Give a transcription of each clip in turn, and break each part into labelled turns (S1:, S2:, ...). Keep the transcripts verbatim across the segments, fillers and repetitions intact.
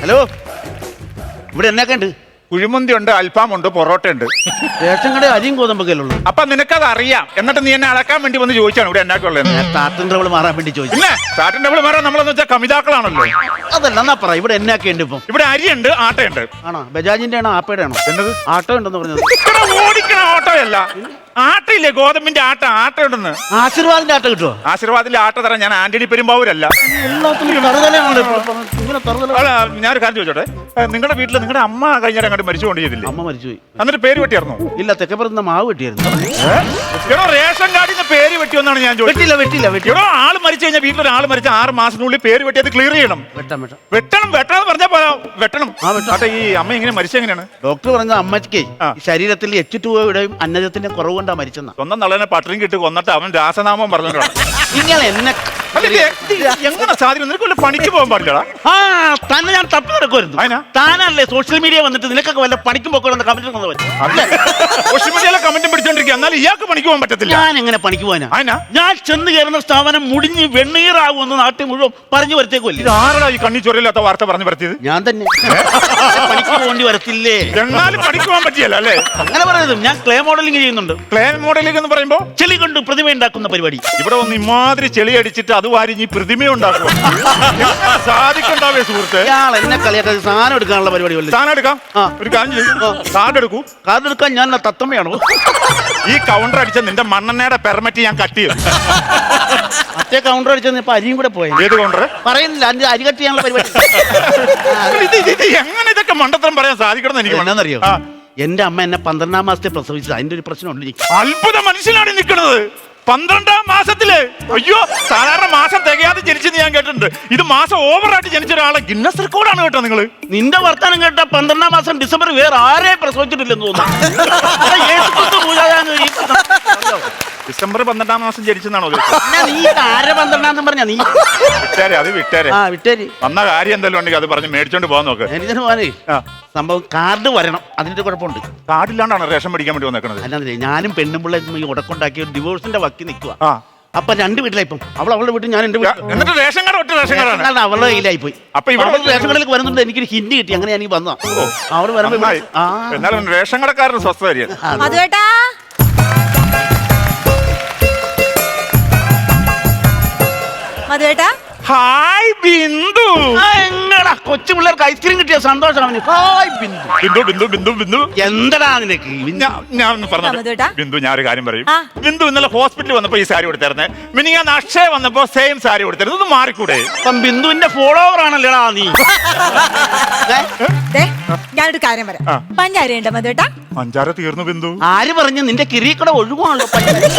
S1: Hello, ഇവിടെ എന്നൊക്കെ ഉണ്ട്?
S2: കുഴിമന്തി ഉണ്ട്, അൽഫാം ഉണ്ട്, പൊറോട്ട ഉണ്ട്.
S1: റേഷൻ കട അരിയും ഗോതമ്പൊക്കെ ഉള്ളൂ.
S2: അപ്പൊ നിനക്കത് അറിയാം, എന്നിട്ട് നീ എന്നെ അളക്കാൻ വേണ്ടി വന്ന് ചോദിച്ചാണ് ഇവിടെ എന്നാക്കുള്ളത്.
S1: സ്റ്റാർട്ടിൻ ട്രബിൾ മാറാൻ വേണ്ടി ചോദിച്ചു.
S2: പിന്നെ സ്റ്റാർട്ടിൻ ട്രബിൾ മാറാൻ നമ്മളെന്ന് വെച്ചാൽ കമിതാക്കളാണല്ലോ.
S1: അതല്ല, എന്നാ പറ, ഇവിടെ എന്നൊക്കെ ഉണ്ട് ഇപ്പം?
S2: ഇവിടെ അരിയുണ്ട്, ആട്ടയുണ്ട്.
S1: ആണോ? ബജാജിന്റെ ആണോ ആപ്പയുടെ ആണോ?
S2: എന്നത്
S1: ആട്ടോ ഉണ്ടെന്ന് പറഞ്ഞത്?
S2: ഓടിക്കണ ഓട്ടോയല്ല, ആട്ടയില്ലേ, ഗോതമ്പിന്റെ ആട്ട. ആട്ട ഉണ്ടെന്ന്.
S1: ആശീർവാദിന്റെ ആട്ട കിട്ടുമോ?
S2: ആശീർവാദിന്റെ ആട്ട തരാം. ഞാൻ ആന്റണി പെരുമ്പാവൂരല്ല. ഞാനൊരു കാര്യം ചോദിച്ചോട്ടെ, നിങ്ങളുടെ വീട്ടിൽ നിങ്ങളുടെ അമ്മ കഴിഞ്ഞാൽ അങ്ങോട്ട് മരിച്ചുകൊണ്ട് ചെയ്തില്ലേ?
S1: അമ്മ മരിച്ചുപോയി.
S2: എന്നിട്ട് പേര് വെട്ടിയായിരുന്നോ?
S1: ഇല്ല, തെക്കപ്പുറത്ത് മാവ് വെട്ടിയായിരുന്നു.
S2: എടോ, റേഷൻ കാർഡിൽ നിന്ന് പേര് വെട്ടിയെന്നാണ് ഞാൻ ചോദിച്ചത്.
S1: വെട്ടില്ല വെട്ടില്ല വെട്ടി.
S2: എടോ, ആള് മരിച്ചു കഴിഞ്ഞാൽ വീട്ടിലൊരാൾ മരിച്ച ആറ് മാസത്തിനുള്ളിൽ പേര് വെട്ടിയത് ക്ലിയർ ചെയ്യണം.
S1: വെട്ടാം വെട്ടാം
S2: വെട്ടണം വെട്ടണം പറഞ്ഞാ പോരാ, വെട്ടണം.
S1: ആ വെട്ടാം.
S2: ആട്ടെ, ഈ അമ്മ ഇങ്ങനെ മരിച്ചെങ്ങനെയാണ്?
S1: ഡോക്ടർ പറഞ്ഞ അമ്മയ്ക്ക് ശരീരത്തിൽ എച്ച് ടു ഒയുടെയും അന്നജത്തിന്റെ കുറവ് കൊണ്ടാ മരിച്ചെന്ന.
S2: സ്വന്തം നള്ളനെ പട്ടണം കിട്ടി കൊന്നിട്ട് അവൻ രാസനാമം പറഞ്ഞിട്ടാണ്.
S1: നിങ്ങൾ എന്നെ
S2: എങ്ങനെ സാധിക്കും? നിനക്ക് വല്ല പണിക്ക് പോകാൻ പാടില്ലടാ.
S1: ആ തന്നെ ഞാൻ തപ്പി നടക്കുമായിരുന്നു.
S2: അതിനാ
S1: താനല്ലേ സോഷ്യൽ മീഡിയ വന്നിട്ട് നിനക്കൊക്കെ വല്ല പണിക്കും പോക്കണമെന്ന് കമന്റ്
S2: സോഷ്യൽ മീഡിയയിലെ കമന്റും പിടിച്ചോണ്ടിരിക്കുക, എന്നാലും ഇയാൾക്ക് പണിക്ക് പോകാൻ പറ്റത്തില്ല.
S1: ഞാൻ എങ്ങനെ പണിക്ക് പോകാനാ?
S2: അതിനാ
S1: ഞാൻ ചെന്ന് കയറുന്ന സ്ഥാപനം മുടിഞ്ഞ് വെണ്ണീറാകുമെന്ന് നാട്ടിൽ മുഴുവൻ പറഞ്ഞു വരത്തേക്കുമല്ലേ.
S2: ഇത് ആരടാ ഈ കണ്ണി ചൊരയില്ലാത്ത വാർത്ത പറഞ്ഞു വരുത്തിയത്?
S1: ഞാൻ തന്നെ. പണിക്ക് പോകേണ്ടി വരത്തില്ലേ?
S2: എന്നാലും പണിക്ക് പോകാൻ പറ്റിയല്ലോ അല്ലേ?
S1: അങ്ങനെ പറയുന്നത്. ഞാൻ ക്ലേ മോഡലിംഗ് ചെയ്യുന്നുണ്ട്.
S2: ക്ലേ മോഡലിംഗ് എന്ന് പറയുമ്പോ
S1: ചെളി കൊണ്ട് പ്രതിമ ഉണ്ടാക്കുന്ന പരിപാടി.
S2: ഇവിടെ വന്ന് ഇമാതിരി ചെളി അടിച്ചിട്ട് അത് വാരിഞ്ഞ് പ്രതിമ ഉണ്ടാക്കും. സാധിക്കണ്ടാവേ സുഹൃത്ത്.
S1: ഇയാൾ എന്നെ കളിയാക്കാൻ സാധനം എടുക്കാനുള്ള പരിപാടി.
S2: സാധനം എടുക്കാം. ഒരു കാര്യം ചെയ്യും, കാർഡ് എടുക്കൂ.
S1: കാർഡ് എടുക്കാൻ ഞാൻ തത്തമ്മയാണോ?
S2: ഈ കൗണ്ടർ അടിച്ച നിന്റെ മണ്ണെണ്ണയുടെ പെർമിറ്റ് ഞാൻ കട്ട് ചെയ്യും.
S1: മറ്റേ കൗണ്ടർ അടിച്ചത് ഇപ്പൊ അരിയും കൂടെ പോയത്.
S2: ഏത് കൗണ്ടർ?
S1: പറയുന്നില്ല, അതിന്റെ അരി കട്ട് ചെയ്യാനുള്ള പരിപാടി.
S2: എങ്ങനെ ഇതൊക്കെ മണ്ടത്തരം പറയാൻ സാധിക്കണം എനിക്ക്
S1: എന്നാന്നറിയോ? എന്റെ അമ്മ എന്നെ പന്ത്രണ്ടാം മാസത്തെ പ്രസവിച്ചത്. അതിന്റെ ഒരു പ്രശ്നമുണ്ട്.
S2: അത്ഭുത മനുഷ്യനാണ് നിൽക്കുന്നത്. പന്ത്രണ്ടാം മാസത്തില്. അയ്യോ, സാധാരണ മാസം തികയാതെ ജനിച്ചെന്ന് ഞാൻ കേട്ടിട്ടുണ്ട്. ഇത് മാസം ഓവറായിട്ട് ജനിച്ച ഒരാളെ ഗിന്നസ് റെക്കോർഡാണ് കേട്ടോ നിങ്ങള്.
S1: നിന്റെ വർത്താനം കേട്ട പന്ത്രണ്ടാം മാസം ഡിസംബർ വേറെ ആരെ പ്രസവിച്ചിട്ടില്ലെന്ന് തോന്നുന്നു.
S2: ഡിസംബർ പന്ത്രണ്ടാം മാസം ജനിച്ചെന്നാണോ?
S1: നീ ആരെ പന്ത്രണ്ടാം പറഞ്ഞ നീ
S2: വിട്ടേരെ, അത് വിട്ടേരെ.
S1: ആ വിട്ടേര്.
S2: വന്ന കാര്യം എന്തെങ്കിലും ഉണ്ടെങ്കിൽ അത് പറഞ്ഞ് മേടിച്ചോണ്ട് പോകാൻ നോക്ക്.
S1: എനിക്കിന് പോകാനേ സംഭവം കാർഡ് വരണം. അതിന്റെ കുഴപ്പമുണ്ട്.
S2: കാർഡില്ലാണ്ടാണ് റേഷൻ മേടിക്കാൻ വേണ്ടി വന്നേക്കണത്.
S1: അല്ലാതെ ഞാനും പെണ്ണും പിള്ളേ ഈ ഉടക്കുണ്ടാക്കി ഡിവോഴ്സിന്റെ വക്കി നിൽക്കുക.
S2: ആ
S1: അപ്പൊ രണ്ട് വീട്ടിലായി. ഇപ്പം അവൾ അവളുടെ വീട്ടിൽ, ഞാൻ എന്റെ വീട്ടിൽ.
S2: എന്നിട്ട് റേഷൻ കാർഡ് ഒറ്റ റേഷൻ കാർഡാണ്
S1: അവളുടെ കയ്യിലായി പോയി.
S2: അപ്പൊ ഇവിടെ
S1: റേഷൻ കടയിലേക്ക് വരുന്നുണ്ട്. എനിക്കൊരു ഹിന്റ് കിട്ടി. അങ്ങനെ ഞാൻ വന്നോ അവിടെ വരുമ്പോ
S2: എന്നാലും റേഷൻ കടക്കാരന് സ്വസ്ഥമായിരിക്കും.
S3: മധുവേട്ടാ, മധുവേട്ടാ.
S2: ഹായ് ബിന്ദു.
S1: എങ്ങടാ കൊച്ചു പിള്ളേർക്ക് ഐസ്ക്രീം കിട്ടിയ സന്തോഷം അവന്. ഹായ് ബിന്ദു.
S2: ബിന്ദു ബിന്ദു ബിന്ദു ബിന്ദു
S1: എന്തടാ നിനക്ക്?
S2: ഞാൻ പറഞ്ഞു ബിന്ദു, ഞാനൊരു കാര്യം പറയും. ബിന്ദു ഇന്നലെ ഹോസ്പിറ്റലിൽ വന്നപ്പോ ഈ സാരി കൊടുത്തായിരുന്നേ. മിനി ഞാൻ അക്ഷയ വന്നപ്പോ സെയിം സാരി കൊടുത്തായിരുന്നു. ഇത് മാറിക്കൂടെ?
S1: ഇപ്പം ബിന്ദുവിന്റെ ഫോളോവർ ആണല്ലേടാ നീ.
S3: ഞാനൊരു കാര്യം പറയാം. പഞ്ചാര ഉണ്ടോ മധുവേട്ടാ?
S2: പഞ്ചാര തീർന്നു ബിന്ദു.
S1: ആര് പറഞ്ഞു? നിന്റെ കിരീക്കട ഒഴുകുവാണല്ലോ.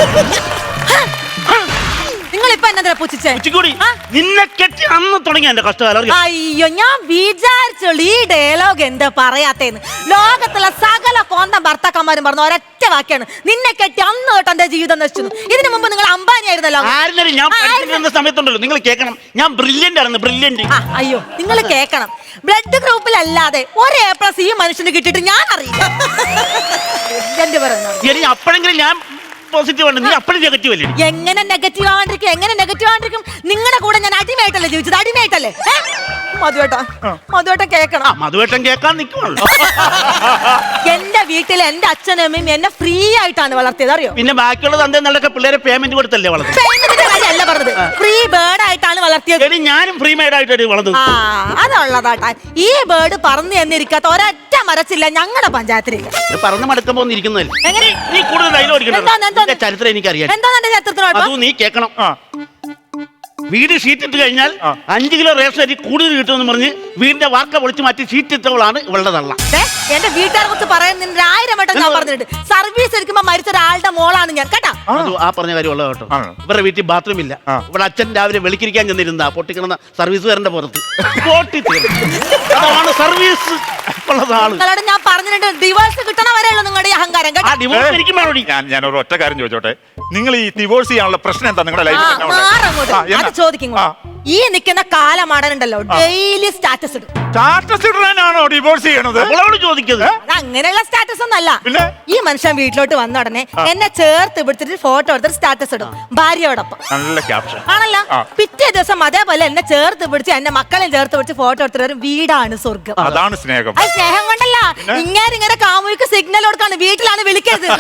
S3: നിങ്ങളിപ്പോ എന്നാ പൂച്ചിച്ചേ?
S1: നിന്നെ കെട്ടി അന്ന് തുടങ്ങിയ എന്റെ കഷ്ടകാലം.
S3: അയ്യോ, ഞാൻ വിചാരിച്ചുള്ളൂ ഈ ഡയലോഗ് എന്താ പറയാത്തേന്ന്. ലോകത്തുള്ള സകല കോന്തം ഭർത്താക്കന്മാരും പറഞ്ഞ ഒരൊറ്റ വാക്കാണ്, നിന്നെ കെട്ടി അന്ന് തൊട്ട് എന്റെ ജീവിതം നശിച്ചു. ഇതിനു മുമ്പ് നിങ്ങൾ അംബാനി ആയിരുന്നല്ലോ.
S1: ഞാൻ സമയത്തുണ്ടല്ലോ, നിങ്ങൾ കേൾക്കണം. ഞാൻ ബ്രില്യന്റ് ആയിരുന്നു, ബ്രില്യന്റ്.
S3: അയ്യോ, നിങ്ങൾ കേൾക്കണം. ബ്ലഡ് ഗ്രൂപ്പിലല്ലാതെ ഒരു എ പ്ലസ് ഈ മനുഷ്യന് കിട്ടിയിട്ട് ഞാൻ അറിയില്ല.
S1: അപ്പോഴെങ്കിലും ഞാൻ പോസിറ്റീവ് ആണ്. നീ അപ്പോഴും നെഗറ്റീവ് അല്ലേ?
S3: എങ്ങനെ നെഗറ്റീവ് ആവാണ്ടിരിക്കും? എങ്ങനെ നെഗറ്റീവ് ആവാണ്ടിരിക്കും? നിങ്ങളുടെ കൂടെ ഞാൻ അടിമയായിട്ടല്ലേ ജീവിച്ചത്? അടിമയായിട്ടല്ലേ? മധുവേട്ടാ, മധുവേട്ട കേക്കണം.
S1: മധുവേട്ടൻ കേൾക്കാൻ നിൽക്കുവാണല്ലോ.
S3: എന്റെ വീട്ടിൽ എന്റെ അച്ഛനും അമ്മയും എന്നെ ഫ്രീ ആയിട്ടാണ് വളർത്തിയത്, അറിയോ?
S1: പിന്നെ ബാക്കിയുള്ള തന്തേന്നൊക്കെ പിള്ളേരെ പേയ്മെന്റ് കൊടുത്തല്ലേ വളർത്തുന്നത്?
S3: പേയ്മെന്റിന്റെ കാര്യമല്ല പറഞ്ഞത്, ഫ്രീ ബേർഡ് ആയിട്ടാണ് വളർത്തിയത്.
S1: ഞാനും ഫ്രീ മെയ്ഡ് ആയിട്ടാണ് വളർന്നത്.
S3: ആ, അതുള്ളതാട്ടാ. ഈ ബേർഡ് പറന്നു എന്നിരിക്കാത്ത ഒരൊറ്റ മരച്ചില്ല ഞങ്ങളുടെ പഞ്ചായത്തിലേക്ക്.
S1: പറന്ന് മടക്കുമ്പോ ഇരിക്കുന്നതല്ലേ?
S3: എങ്ങനെ?
S1: നീ കൂടുതൽ ഡയലോഗ് ചരിത്രം എനിക്കറിയാം.
S3: എന്താ എന്റെ ചരിത്രത്തിനോട്?
S1: അതും നീ കേൾക്കണം. വീട് ഷീറ്റ് ഇട്ട് കഴിഞ്ഞാൽ അഞ്ചു കിലോ റേഷൻ അരി കൂടുതൽ കിട്ടുമെന്ന് പറഞ്ഞ് വീടിന്റെ വാർക്ക പൊളിച്ചു മാറ്റി ഷീറ്റ് ഇട്ടവളാണ് ഇവളുടെ തള്ള.
S3: എന്റെ വീട്ടുകാരെ കുറിച്ച് പറയുന്നതിന് ആയിരം വട്ടം ഞാൻ പറഞ്ഞിട്ടുണ്ട്. സർവീസ് എടുക്കുമ്പോ മരിച്ച ഒരാളുടെ മോളാണ് ഞാൻ, കേട്ടാ.
S1: ആ പറഞ്ഞ കാര്യം ഉള്ളത് കേട്ടോ. ഇവരുടെ വീട്ടിൽ ബാത്റൂം ഇല്ല. ഇവിടെ അച്ഛൻ രാവിലെ വെളിക്കിരിക്കാൻ ചെന്നിരുന്ന പൊട്ടിക്കിടന്ന സർവീസുകാരന്റെ പുറത്ത് പൊട്ടി അതാണ് സർവീസ് ഉള്ളതാണ്.
S3: നിങ്ങളോട് ഞാൻ പറഞ്ഞിട്ടുണ്ട്, ഡിവോഴ്സ് കിട്ടണ വരെയുള്ള നിങ്ങളുടെ അഹങ്കാരം, കേട്ടോ.
S2: ഞാൻ ഒരു ഒറ്റ കാര്യം ചോദിച്ചോട്ടെ, നിങ്ങൾ ഈ ഡിവോഴ്സ് ചെയ്യാനുള്ള പ്രശ്നം എന്താ നിങ്ങളുടെ ലൈഫിൽ?
S3: ചോദിക്കും. ഈ നിൽക്കുന്ന കാലമാടനുണ്ടല്ലോ ഡെയിലി സ്റ്റാറ്റസ് ഇടും.
S2: സ്റ്റാറ്റസ് ഇടാനാണോ ഡിവോഴ്സ് ചെയ്യണത്?
S1: അവളോട് ചോദിക്കുന്നത്
S3: അത് അങ്ങനെയുള്ള സ്റ്റാറ്റസ് ഒന്നല്ല.
S2: പിന്നെ?
S3: ഈ മനുഷ്യൻ വീട്ടിലോട്ട് വന്ന ഉടനെ എന്നെ ചേർത്ത് പിടിച്ചിട്ട് ഫോട്ടോ എടുത്തിട്ട് സ്റ്റാറ്റസ് ഇടും ഭാര്യയോടൊപ്പം.
S2: നല്ല ക്യാപ്ഷൻ
S3: ആണല്ലോ. പിറ്റേ ദിവസം അതേപോലെ എന്നെ ചേർത്ത് പിടിച്ച് എന്റെ മക്കളെയും ചേർത്ത് പിടിച്ച് ഫോട്ടോ എടുത്തിട്ട് വരും വീടാണ് സ്വർഗം.
S2: അതാണ് സ്നേഹം.
S3: അത് സ്നേഹം കൊണ്ടല്ല, ഇങ്ങനെ ഇങ്ങനെ കാമുകിക്ക് സിഗ്നൽ കൊടുക്കാണ് വീട്ടിലാണ് വിളിക്കരുത്.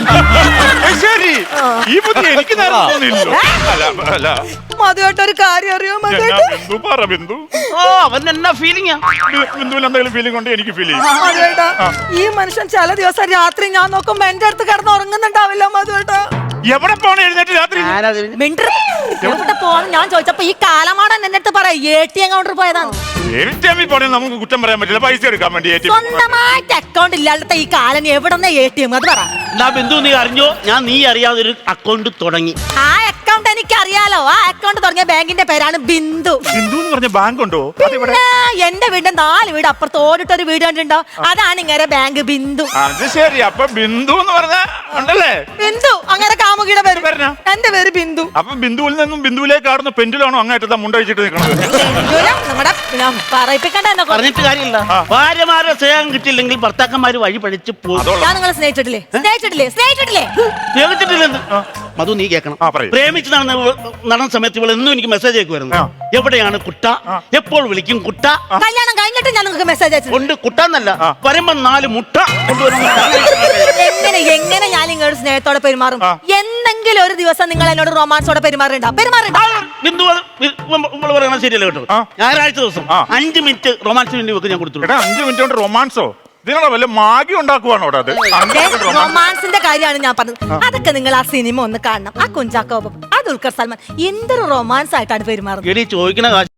S2: ശരി, ഈ ബുദ്ധി എനിക്ക് നേരം തോന്നിയില്ലല്ലോ. അല്ല, അല്ല.
S3: മധുവായിട്ട് ഒരു കാര്യം അറിയോ
S2: ഞാൻ
S3: മധുവായിട്ട്?
S2: ബിന്ദു പറ ബിന്ദു.
S1: ഓ അവൻ എന്നാ ഫീലിംഗാ?
S2: ബി- ബിന്ദുവിന് എന്തെങ്കിലും ഫീലിംഗ് കൊണ്ട് എനിക്ക് ഫീൽ ചെയ്യും.
S3: മധുവേട്ടാ, ഈ മനുഷ്യൻ ചില ദിവസം രാത്രി ഞാൻ നോക്കുമ്പോ എന്റെ അടുത്ത് കിടന്ന് ഉറങ്ങുന്നുണ്ടാവില്ല മധുവേട്ടാ.
S2: എവിടെ പോണ എഴുന്നേറ്റ് രാത്രി?
S3: മിണ്ടർ എവിടെ പോവാന്ന് ഞാൻ ചോദിച്ചപ്പോ ഈ കാലമാടൻ എന്റെ അടുത്ത് പറയാം എ ടി എം കൗണ്ടർ പോയതാണ്.
S2: എ ടി എമ്മിൽ പോണേ നമുക്ക് കുറ്റം പറയാൻ പറ്റില്ല. പൈസ എടുക്കാൻ വേണ്ടി എ ടി എം.
S3: സ്വന്തമായിട്ട് അക്കൗണ്ട് ഇല്ലാത്ത ഈ കാലം എവിടെ എ ടി എം അത് പറ.
S1: എന്നാ ബിന്ദു നീ അറിഞ്ഞോ, ഞാൻ നീ അറിയാതെ ഒരു അക്കൗണ്ട് തുടങ്ങി.
S3: ആ അക്കൗണ്ട് എനിക്ക് അറിയാലോ. ആ അക്കൗണ്ട് തുടങ്ങിയ ബാങ്കിന്റെ പേരാണ് ബിന്ദു.
S2: ബിന്ദു എന്ന് പറഞ്ഞ ബാങ്ക് ഉണ്ടോ? അതിവിടെ
S3: പിന്നെ എന്റെ വീടിന്റെ നാല് വീട് അപ്പുറത്ത് ഓടിട്ടൊരു വീട് കണ്ടിട്ടുണ്ടോ? അതാണ് ഇങ്ങനെ ബാങ്ക് ബിന്ദു.
S2: അത് ശരി. അപ്പൊ ബിന്ദു എന്ന് പറഞ്ഞ ഉണ്ടല്ലേ?
S3: ബിന്ദു അങ്ങനെ കാമുകിയുടെ പേര്.
S2: പേരെന്നാ?
S3: എന്റെ പേര് ബിന്ദു.
S2: അപ്പൊ ബിന്ദുവിൽ നിന്നും ബിന്ദുവിലേക്ക് ആടുന്ന പെൻഡിലാണോ അങ്ങായിട്ട് മുണ്ടഴിച്ചിട്ട് നിൽക്കുന്നത്?
S3: ബിന്ദുവിനെ നമ്മുടെ ഞാൻ പറയിപ്പിക്കണ്ട എന്നെ കൊണ്ട്.
S1: പറഞ്ഞിട്ട് കാര്യമില്ല. ഭാര്യമാരെ സ്നേഹം കിട്ടിയില്ലെങ്കിൽ ഭർത്താക്കന്മാര് വഴി പഠിച്ച് പോകും.
S2: അതോളം.
S3: ഞാൻ നിങ്ങളെ സ്നേഹിച്ചിട്ടില്ലേ? സ്നേഹിച്ചിട്ടില്ലേ? സ്നേഹിച്ചിട്ടില്ലേ?
S1: സ്നേഹിച്ചിട്ടില്ലെന്ന് മധു നീ കേൾക്കണം.
S2: ആ, പറയൂ.
S1: പ്രേമിച്ച് നടന്ന നടന്ന സമയത്ത് ഇവൾ എന്നും എനിക്ക് മെസ്സേജ് അയക്കുമായിരുന്നു.
S2: ആ.
S1: എവിടെയാണ് കുട്ട, എപ്പോൾ വിളിക്കും കുട്ട.
S3: കല്യാണം കഴിഞ്ഞിട്ട് ഞാൻ നിങ്ങൾക്ക് മെസ്സേജ് അയച്ചു.
S1: കൊണ്ട് കുട്ടാന്നല്ല
S2: ആ.
S1: വരുമ്പോ നാല് മുട്ട കൊണ്ടുവരുന്ന
S3: എങ്ങനെ എങ്ങനെ ഞാൻ നിങ്ങളുടെ സ്നേഹത്തോടെ പെരുമാറും?
S1: ആ.
S3: എന്തെങ്കിലും ഒരു ദിവസം നിങ്ങൾ എന്നോട് റൊമാൻസോടെ പെരുമാറുണ്ടോ? പെരുമാറുണ്ടോ?
S1: ബിന്ദു നമ്മൾ പറയണത് ശരിയല്ല കേട്ടോ.
S2: ആ.
S1: ഞായറാഴ്ച ദിവസം
S2: ആ.
S1: അഞ്ച് മിനിറ്റ് റൊമാൻസിന് വേണ്ടി വെക്ക് ഞാൻ കൊടുത്തു.
S2: എടാ, അഞ്ചു മിനിറ്റ് കൊണ്ട് റൊമാൻസോ? ഇതിനുള്ള വല്ല മാഗി ഉണ്ടാക്കുവാണോ അവിടെ? അത് അഞ്ച് minute romance.
S3: റൊമാൻസിന്റെ കാര്യമാണ് ഞാൻ പറഞ്ഞത്. അതൊക്കെ നിങ്ങൾ ആ സിനിമ ഒന്ന് കാണണം. ആ കുഞ്ചാക്കോബം, ആ ദുൽഖർ സൽമാൻ എന്തൊരു റൊമാൻസ് ആയിട്ടാണ് പെരുമാറുന്നത്.
S1: എടി ചോദിക്കണ കാശ്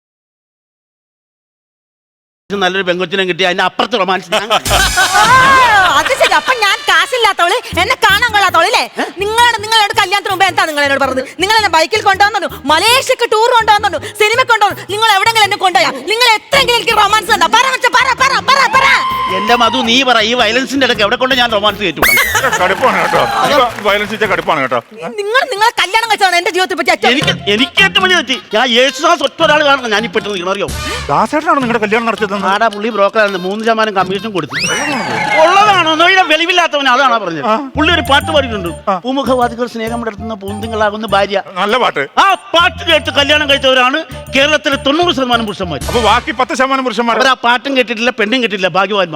S1: നല്ലൊരു പെങ്കൊച്ചിനെ കിട്ടി അതിന്റെ അപ്പുറത്ത് റൊമാൻസ്
S3: ആ, അത് ശരി. അപ്പൊ ഞാൻ കാശില്ലാത്തവള്, എന്നെ കാണാൻ കൊള്ളാത്തവള് അല്ലേ? നിങ്ങളോട് നിങ്ങളോട് കല്യാണത്തിന് മുമ്പ് എന്താ നിങ്ങൾ എന്നോട് പറഞ്ഞത്? നിങ്ങൾ എന്നെ ബൈക്കിൽ കൊണ്ടുവന്നു, മലേഷ്യക്ക് ടൂർ കൊണ്ടുവന്നു, സിനിമ കൊണ്ടുവന്നു. നിങ്ങൾ എവിടെങ്കിലും എന്നെ കൊണ്ടുപോയാ? നിങ്ങൾ എത്രയെങ്കിലും എനിക്ക് റൊമാൻസ് ഉണ്ടോ? പറ വെച്ച പറ പറ പറ പറ.
S1: എന്റെ മധു നീ പറ, ഈ വയലൻസിന്റെ ഇടയ്ക്ക് എവിടെ കൊണ്ട് ഞാൻ റൊമാൻസ് കയറ്റുവിടാം?
S2: കടുപ്പാണ് കേട്ടോ. വയലൻസ് വെച്ചാൽ കടുപ്പാണ് കേട്ടോ.
S3: നിങ്ങൾ നിങ്ങളെ കല്യാണം കഴിച്ചതാണ് എന്റെ ജീവിതത്തെ പറ്റി ഏറ്റവും
S1: എനിക്ക് എനിക്ക് ഏറ്റവും വലിയ തെറ്റി. ഞാൻ യേശുദാസ് ഒറ്റ ഒരാൾ കാണണം ഞാൻ ഇപ്പൊ നിൽക്കണം. അറിയോ,
S2: ദാസേട്ടനാണ് നിങ്ങളുടെ കല്യാണം നടത്തിയത്?
S1: ആടാ പുള്ളി ബ്രോക്കറായിരുന്നു. മൂന്ന് ശതമാനം കമ്മീഷൻ കൊടുത്തു. ഉള്ളതാണോ നോയിടെ വെളിവില്ലാത്തവൻ അതാണോ പറഞ്ഞത്? പുള്ളി ഒരു പാട്ട് പാടിയിട്ടുണ്ട്. പൂമുഖവാദികൾ സ്നേഹം നടത്തുന്ന പൂന്തിങ്ങളാകുന്ന ഭാര്യ.
S2: നല്ല പാട്ട്.
S1: ആ പാട്ട് കേട്ട് കല്യാണം കഴിച്ചവരാണ് കേരളത്തിലെ തൊണ്ണൂറ് ശതമാനം പുരുഷന്മാർ.
S2: അപ്പൊ ബാക്കി പത്ത് ശതമാനം പുരുഷന്മാർ
S1: അവർ ആ പാട്ടും കേട്ടിട്ടില്ല, പെണ്ണും കേട്ടിട്ടില്ല, ഭാഗ്യവാന്മാർ.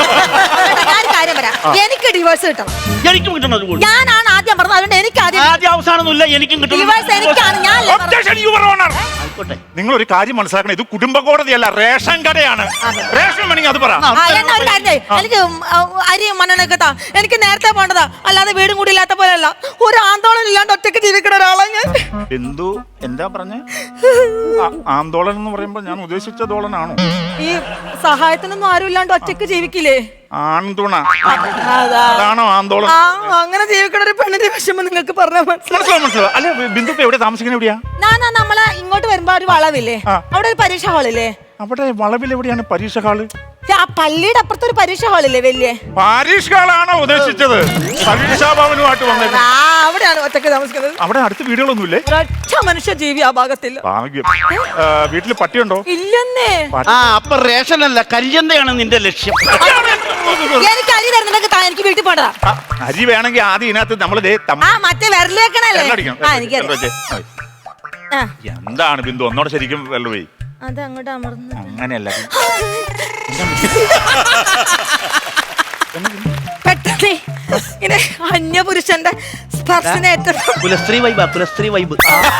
S3: ഞാൻ ഒരു കാര്യം പറയാം. എനിക്ക് ഡിവോഴ്സ് കിട്ടണം.
S1: എനിക്കും കിട്ടണത് കൂടി.
S3: ഞാനാണ് ആദ്യം പറഞ്ഞത്. അതുകൊണ്ട് എനിക്ക് ആദ്യം
S1: ആദ്യ അവസാനമൊന്നുമില്ല, എനിക്കും കിട്ടണം.
S3: ഡിവോഴ്സ് എനിക്കാണ്. ഞാൻ
S2: Objection, Your Honor.
S1: ആയിക്കോട്ടെ.
S2: നിങ്ങൾ ഒരു കാര്യം മനസ്സിലാക്കണം, ഇത് കുടുംബ കോടതിയല്ല, റേഷൻ കടയാണ്. റേഷൻ വേണമെങ്കിൽ അത് പറ.
S3: ആ, എന്നാ ഒരു കാര്യം ചെയ്യ്. എനിക്ക് ഉം, ആ, അരിയും മണ്ണെണ്ണയൊക്കെ താ. എനിക്ക് നേരത്തെ പോണ്ടതാ. അല്ലാതെ വീടും കൂടി ഇല്ലാത്ത പോലെയല്ല. ഒരു ആന്തോളനം ഇല്ലാണ്ട് ഒറ്റയ്ക്ക് ജീവിക്കണ ഒരാളാണ് ഞാൻ.
S2: ബിന്ദു എന്താ പറഞ്ഞേ? ആന്തോളൻ എന്ന് പറയുമ്പോ ഞാൻ ഉദ്ദേശിച്ച ദോളനാണോ?
S3: ഈ സഹായത്തിനൊന്നും ആരും ഇല്ലാണ്ട് ഒറ്റയ്ക്ക് ജീവിക്കില്ലേ?
S2: ആൺതുണ
S3: അതാ.
S2: അതാണോ ആന്തോളൻ?
S3: ആ, അങ്ങനെ ജീവിക്കണ ഒരു പെണ്ണിന്റെ വിഷമം നിങ്ങൾക്ക് പറഞ്ഞാൽ മനസ്സിലാവും.
S2: മനസ്സിലാവും, മനസ്സിലാവും. അല്ലെ, ബിന്ദു ഇപ്പൊ എവിടെ താമസിക്കുന്നത്? എവിടെയാ?
S3: ഞാനാ നമ്മളെ ഇങ്ങോട്ട് വരുമ്പോ ഒരു വളവില്ലേ,
S2: ആ.
S3: അവിടെ ഒരു പരീക്ഷ ഹാളില്ലേ?
S2: അവിടെ വളവിൽ എവിടെയാണ് പരീക്ഷ ഹാള്?
S3: ആ പള്ളിയുടെ അപ്പുറത്ത് ഒരു പരീക്ഷ ഹാളില്ലേ വലിയ?
S2: പരീക്ഷ ഹാളാണോ ഉദ്ദേശിച്ചത്? പരീക്ഷാ ഭവനുമായിട്ട് വന്നത്.
S3: ആ, അവിടെയാണ് ഒറ്റയ്ക്ക് താമസിക്കുന്നത്.
S2: അവിടെ അടുത്ത് വീടുകളൊന്നുമില്ലേ?
S3: ഒരൊറ്റ മനുഷ്യ ജീവി ആ ഭാഗത്തില്ല.
S2: ഭാഗ്യം. ആ, വീട്ടില് പട്ടിയുണ്ടോ?
S3: ഇല്ലെന്നേ.
S1: ആ അപ്പൊ റേഷനല്ല കരിഞ്ചന്തയാണ് നിന്റെ ലക്ഷ്യം.
S3: എനിക്ക് അരി തരുന്നുണ്ടെങ്കിൽ താ, എനിക്ക് വീട്ടിൽ പോണ്ടതാ.
S2: ആ, അരി വേണമെങ്കിൽ ആദ്യം ഇതിനകത്ത് നമ്മള് ദേ തമ്മ-
S3: ആ മറ്റേ വിരലേക്കണല്ലേ?
S2: വെള്ളമടിക്കണം.
S3: ആ എനിക്കറിയാം.
S2: വെള്ളമടിച്ച്.
S3: ആ,
S2: എന്താണ് ബിന്ദു ഒന്നോടെ ശരിക്കും വെള്ളമേ?
S3: അത് അങ്ങോട്ട് അമർന്നു.
S2: അങ്ങനെയല്ല.
S3: പെട്ടെന്ന് ഇങ്ങനെ അന്യപുരുഷന്റെ സ്പർശനേറ്റ
S1: കുലസ്ത്രീ വൈബ് കുലസ്ത്രീ വൈബ്.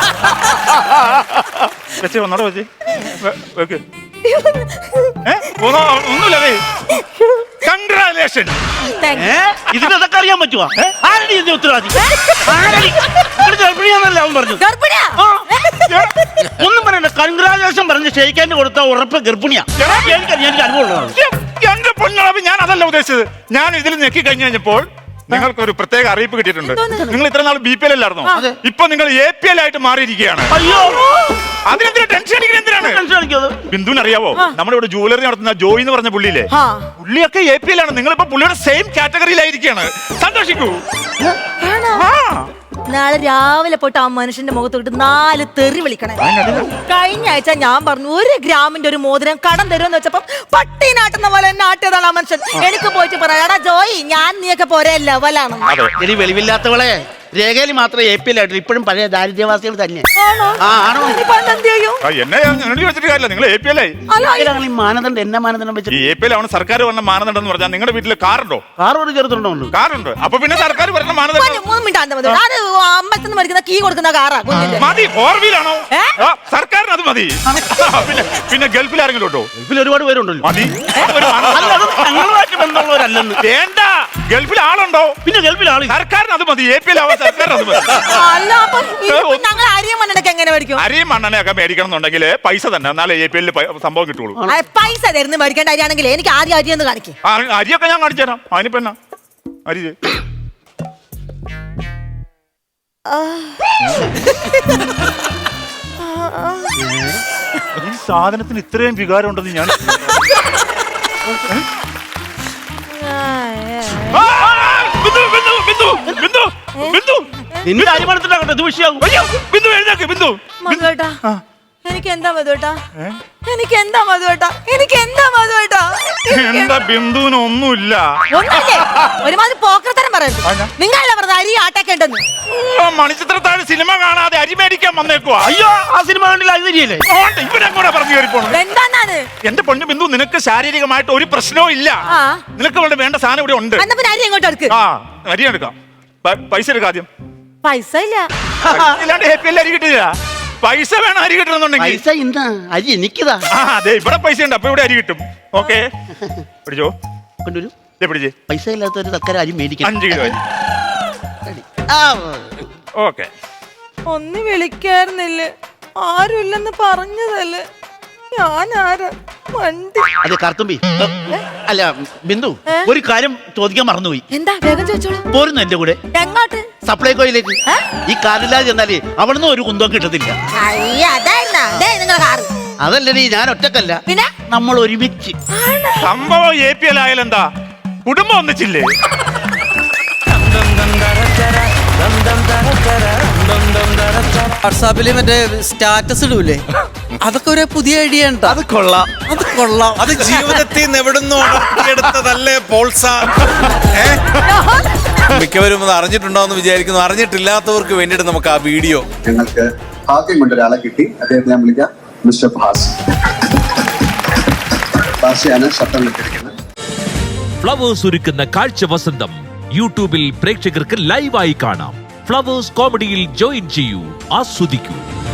S2: വെച്ച് ഒന്നോടെ വെച്ച് വെക്ക്. ഏ? ഒന്നോ- ഒന്നുമില്ലതേ. കൺഗ്രാലേഷൻ.
S1: ഏ ഇതിനൊക്കെ അറിയാൻ പറ്റുവാ? ആരടി ഇതിന്റെ ഉത്തരവാദി? ആരടി? ഇവിടെ ഗർഭിണിയാന്നല്ലേ അവൻ പറഞ്ഞു.
S3: ഗർഭിണിയാ?
S1: ആ. ഒന്നും പറയണ്ട, കൺഗ്രാജുലേഷൻ പറഞ്ഞ് ഷെയ്ക്കാൻ്റെ കൊടുത്ത ഉറപ്പ് ഗർഭിണിയാ. എനിക്ക് എനിക്ക് അനുഭവമുള്ളതാണ്.
S2: എന്റെ പൊന്നളവ്, ഞാൻ അതല്ല ഉദ്ദേശിച്ചത്. ഞാൻ ഇതിൽ ഞെക്കി കഴിഞ്ഞു കഴിഞ്ഞപ്പോൾ നിങ്ങൾക്ക് ഒരു പ്രത്യേക അറിയിപ്പ് കിട്ടിയിട്ടുണ്ട്. നിങ്ങൾ ഇത്ര നാൾ ബി പി എൽ അല്ലായിരുന്നോ? ഇപ്പൊ നിങ്ങൾ എ പി എൽ ആയിട്ട് മാറിയിരിക്കുകയാണ്.
S1: അയ്യോ,
S2: അതിനെന്തിനാ ടെൻഷൻ അടിക്കുന്നത്? എന്തിനാണ്?
S1: ടെൻഷൻ അടിക്കാതെ.
S2: ബിന്ദുവിന് അറിയാവോ, നമ്മുടെ ഇവിടെ ജുവലറി നടത്തുന്ന ജോയി എന്ന് പറഞ്ഞ പുള്ളിയില്ലേ,
S3: ആ.
S2: പുള്ളിയൊക്കെ എ പി എൽ ആണ്. നിങ്ങളിപ്പോ പുള്ളിയുടെ സെയിം കാറ്റഗറിയിലായിരിക്കുകയാണ്. സന്തോഷിക്കൂ.
S3: ആണോ?
S2: ആ,
S3: നാളെ രാവിലെ പോയിട്ട് ആ മനുഷ്യന്റെ മുഖത്തോട്ട് നാല് തെറി വിളിക്കണേ. കഴിഞ്ഞ ആഴ്ച ഞാൻ പറഞ്ഞു ഒരു ഗ്രാമിന്റെ ഒരു മോതിരം കടം തരുമെന്ന് വെച്ചപ്പോ പട്ടി നാട്ടുന്ന പോലെ എന്നെ ആട്ടിയതാണ് ആ മനുഷ്യൻ. എനിക്ക് പോയിട്ട് പറയാടാ ജോയി, ഞാൻ നീയൊക്കെ പോരെ ലെവലാണ്.
S1: ഇനി വെളിവില്ലാത്തവളെ രേഖയിൽ മാത്രമേ എ പി എല്ലായിട്ടും ഇപ്പോഴും പഴയ ദാരിദ്ര്യവാസികൾ തന്നെ. ആ ആണോ?
S2: എന്നെ എന്നോട് ചോദിച്ചിട്ട് കാര്യമില്ല, നിങ്ങൾ എ പി എൽ ആയി.
S1: ഈ മാനദണ്ഡം എന്നെ മാനദണ്ഡം വെച്ചിട്ട്
S2: ഈ എ പി എൽ ആണ് സർക്കാർ പറഞ്ഞ മാനദണ്ഡം എന്ന് പറഞ്ഞാൽ നിങ്ങളുടെ വീട്ടിൽ കാറുണ്ടോ?
S1: കാർ ഒരു ചെറുതുണ്ടോ?
S2: കാറുണ്ട്. അപ്പൊ പിന്നെ സർക്കാർ പറഞ്ഞ മാനദണ്ഡം
S3: അമ്പലത്തിൽ മരിക്കുന്ന കീ കൊടുക്കുന്ന കാറാ.
S2: മതി. ഫോർ വീലാണോ? സർക്കാരിന് അത് മതി. പിന്നെ പിന്നെ ഗൾഫിൽ ആരെങ്കിലും ഉണ്ടോ?
S1: ഗൾഫിൽ ഒരുപാട് പേരുണ്ടല്ലോ.
S2: മതി.
S1: ഞങ്ങളുമായിട്ട് ബന്ധമുള്ളവരല്ലെന്ന്.
S2: വേണ്ട. ഗൾഫിൽ ആളുണ്ടോ?
S1: പിന്നെ ഗൾഫിൽ ആള്.
S2: സർക്കാരിന് അത് മതി. എ പി എൽ ആവാൻ സർക്കാരിന് അത് മതി.
S3: അല്ല അപ്പൊ ഞങ്ങൾ അരിയും മണ്ണെണ്ണൊക്കെ എങ്ങനെ മേടിക്കും?
S2: അരിയും മണ്ണെണ്ണയൊക്കെ മേടിക്കണം എന്നുണ്ടെങ്കിൽ പൈസ തന്നെ, എന്നാലേ എ പി എല്ലിൽ സംഭവം കിട്ടുള്ളൂ.
S3: പൈസ തരുന്ന മേടിക്കേണ്ട അരിയാണെങ്കിൽ എനിക്ക് ആദ്യം അരി ഒന്ന് കാണിക്കും.
S2: അരിയൊക്കെ ഞാൻ കാണിച്ചു തരാം. അതിനിപ്പോ എന്നാ അരി ഈ സാധനത്തിന് ഇത്രയും വികാരം ഉണ്ടെന്ന് ഞാൻ
S1: നിന്റെ അരിമണത്തിലാകട്ടെ ഇത് വിഷയാകും.
S2: ബിന്ദു എഴുന്നേക്ക്. ബിന്ദു
S3: മധുവേട്ടാ, എനിക്ക് എന്താ മധുവേട്ടാ? എനിക്ക് എന്താ മധുവേട്ടാ? എനിക്ക് എന്താ മധുവേട്ടാ?
S2: എന്താ ബിന്ദുവിന് ഒന്നുമില്ല.
S3: ഒന്നുമില്ലേ? ഒരുമാതിരി പോക്കർത്തരം പറയുന്നത്. നിങ്ങളല്ല പറഞ്ഞത് അരി ആട്ടൊക്കെ ഉണ്ടെന്ന്.
S2: മണിച്ചിത്രത്താഴ് സിനിമ കാണാതെ അരി മേടിക്കാൻ വന്നേക്കുവാ.
S1: അയ്യോ, ആ സിനിമ കണ്ടില്ല. അത് ശരിയല്ലേ?
S2: ഇവരെങ്ങോട്ടാ പറഞ്ഞു കയറിപ്പോണത്?
S3: എന്താന്നാണ്?
S2: എന്റെ പൊന്നു ബിന്ദു, നിനക്ക് ശാരീരികമായിട്ട് ഒരു പ്രശ്നവും ഇല്ല. നിനക്ക് ഇവിടെ വേണ്ട സാധനം ഇവിടെ ഉണ്ട്.
S3: എന്നാ പിന്നെ അരി എങ്ങോട്ട് എടുക്ക്?
S2: ആ അരി എടുക്കാം. പൈസ എടുക്കാം ആദ്യം.
S3: പൈസ ഇല്ല.
S2: ഇല്ലാണ്ട് ഹാപ്പി എല്ലാം അരി കിട്ടില്ല. പൈസ വേണം അരി കിട്ടണമെന്നുണ്ടെങ്കിൽ.
S1: പൈസ ഇന്നാ അരി എനിക്കതാ.
S2: ആ അതെ, ഇവിടെ പൈസ ഉണ്ട്. അപ്പൊ ഇവിടെ അരി കിട്ടും. ഓക്കെ, പിടിച്ചോ.
S1: കൊണ്ടുവരൂ.
S2: പിടിച്ചേ.
S1: പൈസ ഇല്ലാത്തൊരു തക്കര അരി മേടിക്കാം.
S2: അഞ്ച് കിലോ അരി. ഓക്കെ.
S3: ഒന്ന് വിളിക്കായിരുന്നില്ലേ? ആരുമില്ലെന്ന് പറഞ്ഞതല്ലേ? ഞാൻ ആരാ? വണ്ടി.
S1: അതെ കർത്തുമ്പി. അല്ല ബിന്ദു, ഒരു കാര്യം ചോദിക്കാൻ മറന്നുപോയി.
S3: എന്താ? വേഗം ചോദിച്ചോളൂ.
S1: പോരുന്നു എന്റെ കൂടെ.
S3: എങ്ങോട്ട്?
S1: സപ്ലൈകോയിലേക്ക്. ഈ കാറില്ലാതെ ചെന്നാലേ അവിടുന്ന് ഒരു കുന്തം കിട്ടത്തില്ല. അതല്ലേ, ഞാൻ ഒറ്റക്കല്ല,
S3: പിന്നെ
S1: നമ്മൾ ഒരുമിച്ച്.
S2: സംഭവം എ പി എൽ ആയാലെന്താ? കുടുംബം ഒന്നിച്ചില്ലേ?
S4: വാട്സാപ്പില് മറ്റേ സ്റ്റാറ്റസ് ഇടൂലേ, അതൊക്കെ ഒരു പുതിയ ഐഡിയ ഉണ്ട്.
S5: അത് കൊള്ളാം.
S4: അത് കൊള്ളാം.
S5: അത് ജീവിതത്തിൽ നിന്ന് എവിടുന്നോ എടുത്തതല്ലേ പോൾസ? മിക്കവരും അത് അറിഞ്ഞിട്ടുണ്ടോ എന്ന് വിചാരിക്കുന്നു. അറിഞ്ഞിട്ടില്ലാത്തവർക്ക് വേണ്ടിയിട്ട് നമുക്ക് ആ വീഡിയോ.
S6: ഞങ്ങൾക്ക് ഭാഗ്യം കൊണ്ട് ഒരാളെ കിട്ടി. അദ്ദേഹത്തെ ഞാൻ വിളിക്കാം. മിസ്റ്റർ ഭാസ്. ഭാഷയാണ് ശബ്ദം കിട്ടിയിരിക്കുന്നത്.
S7: ഫ്ലവേഴ്സ് ഒരുക്കുന്ന കാഴ്ച വസന്തം യൂട്യൂബിൽ പ്രേക്ഷകർക്ക് ലൈവായി കാണാം. ഫ്ലവേഴ്സ് കോമഡിയിൽ ജോയിൻ ചെയ്യൂ, ആസ്വദിക്കൂ.